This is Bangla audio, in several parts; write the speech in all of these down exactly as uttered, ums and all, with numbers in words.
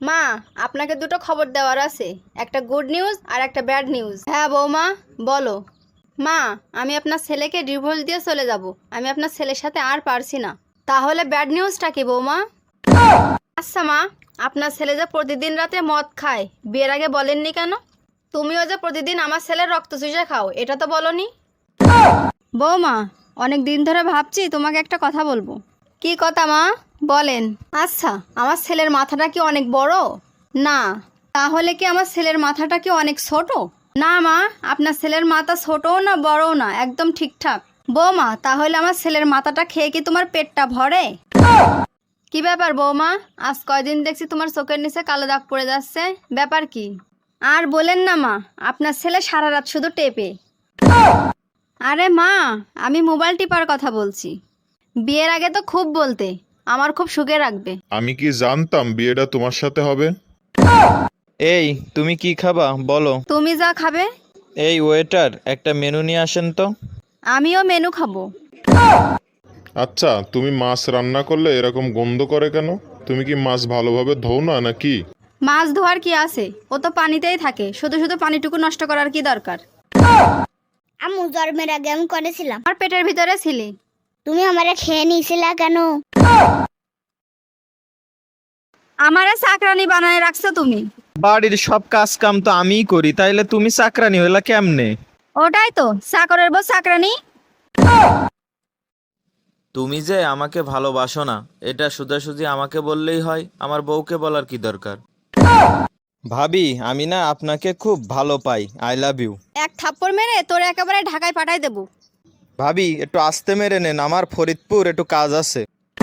মা, আপনাকে দুটো খবর দেওয়ার আছে, একটা গুড নিউজ আর একটা ব্যাড নিউজ। হ্যাঁ বৌমা, বলো। মা, আমি আপনার ছেলেকে ডিভোর্স দিয়ে চলে যাব। আমি আপনার ছেলের সাথে আর পারছি না। তাহলে ব্যাড নিউজটা কি বৌমা? আচ্ছা মা, আপনার ছেলে যে প্রতিদিন রাতে মদ খায়, বিয়ের আগে বলেননি কেন? তুমিও যে প্রতিদিন আমার ছেলের রক্ত চুষে খাও, এটা তো বলনি। বৌমা, অনেক দিন ধরে ভাবছি তোমাকে একটা কথা বলবো। কি কথা মা, বলেন। আচ্ছা, আমার ছেলের মাথাটা কি অনেক বড়? না। তাহলে কি আমার ছেলের মাথাটা কি অনেক ছোট? না মা, আপনার ছেলের মাথা ছোটও না বড়ও না, একদম ঠিকঠাক। বৌমা, তাহলে আমার ছেলের মাথাটা খেয়ে কি তোমার পেটটা ভরে? কি ব্যাপার বৌমা, আজ কয়দিন দেখছি তোমার চোখের নিচে কালো দাগ পড়ে যাচ্ছে, ব্যাপার কি? আর বলেন না মা, আপনার ছেলে সারা রাত শুধু টেপে। আরে মা, আমি মোবাইল টিপার কথা বলছি। বিয়ের আগে তো খুব বলতে, আমার খুব সুখে রাখবে। আমি কি জানতাম বিয়েটা তোমার সাথে হবে? এই তুমি কি খাবা বলো। তুমি যা খাবে। এই ওয়েটার, একটা মেনু নিয়ে আসেন তো। আমিও মেনু খাবো। আচ্ছা, তুমি মাছ রান্না করলে এরকম গন্ধ করে কেন? তুমি কি মাছ ভালোভাবে ধোও না নাকি? মাছ ধোয়ার কি আছে, ও তো পানিতেই থাকে, শুধু শুধু পানিটুকু নষ্ট করার কি দরকার? আম্মু জন্মের আগে আমি করেছিলাম। আর পেটের ভিতরে ছিলি। তুমি আমারে খেয়ে নিয়েছিলা কেন? আমারে চাকরানি বানায় রাখছো তুমি। বাড়ির সব কাজ কাম তো আমিই করি, তাইলে তুমি চাকরানি হইলা কেমনে? ওটাই তো, চাকরের বউ চাকরানি। তুমি যে আমাকে ভালোবাসো না, এটা সোজাসুজি আমাকে বললেই হয়, আমার বউকে বলার কি দরকার? ভাবি, আমি না আপনাকে খুব ভালো পাই, আই লাভ ইউ। এক থাপ্পড় মেরে তোর একেবারে ঢাকায় পাঠাই দেবো। ভাবি, একটু আস্তে মেরে নেন, আমার ফরিদপুর একটু কাজ আছে।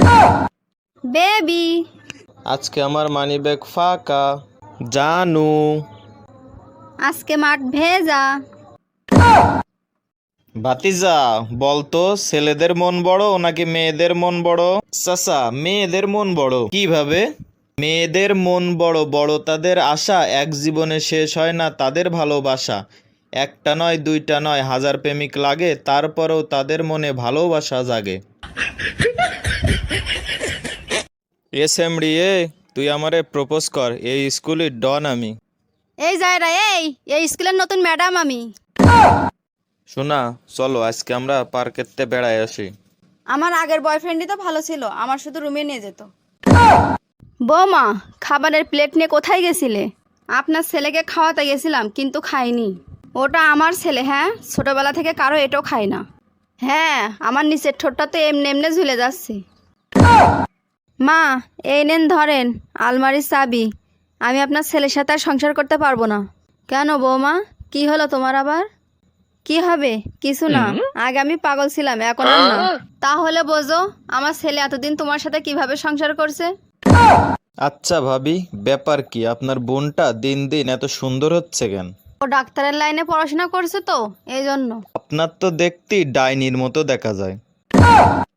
বেবি। আজকে আমার মানি ব্যাগ ফাঁকা। জানু। আজকে মাঠ ভেজা। ভাতিজা, বলতো ছেলেদের মন বড় নাকি মেয়েদের মন বড়? চাচা, মেয়েদের মন বড়। কিভাবে? মেয়েদের মন বড়, বড় তাদের আশা, এক জীবনে শেষ হয় না তাদের ভালোবাসা। একটা নয়, দুইটা নয়, হাজার প্রেমিক লাগে, তারপরেও তাদের মনে ভালোবাসা জাগে। এ সেমড়ি, এ তুই আমারে প্রপোজ কর, এই স্কুলের ডন আমি। এই জায়রা, এই এই স্কুলের নতুন ম্যাডাম আমি। শোনা, চলো আজকে আমরা পার্কেতে বেড়ায় আসি। আমার আগের বয়ফ্রেন্ডই তো ভালো ছিল, আমার শুধু রুমে নিয়ে যেত। বৌমা, খাবারের প্লেট নিয়ে কোথায় গেছিলে? আপনার ছেলেকে খাওয়াতে গেছিলাম, কিন্তু খাইনি। ওটা আমার ছেলে, হ্যাঁ, ছোটবেলা থেকে কারো এটাও খায় না। হ্যাঁ, আমার নিচের ঠোঁটটা তো এমনি এমনি ঝুলে যাচ্ছে। মা, এই নেন ধরেন আলমারির চাবি। আমি আপনার ছেলের সাথে আর সংসার করতে পারবো না। কেন বৌমা, কি হলো তোমার আবার? কি হবে? কিছু না, আগে আমি পাগল ছিলাম, এখন আর না। তাহলে বোঝো আমার ছেলে এতদিন তোমার সাথে কিভাবে সংসার করছে। আচ্ছা ভাবি, ব্যাপার কি? আপনার বোনটা দিন দিন এত সুন্দর হচ্ছে কেন? ও ডাক্তারের লাইনে পড়াশোনা করছে তো, এই জন্য। আপনার তো দেখতেই ডাইনির মতো দেখা যায়।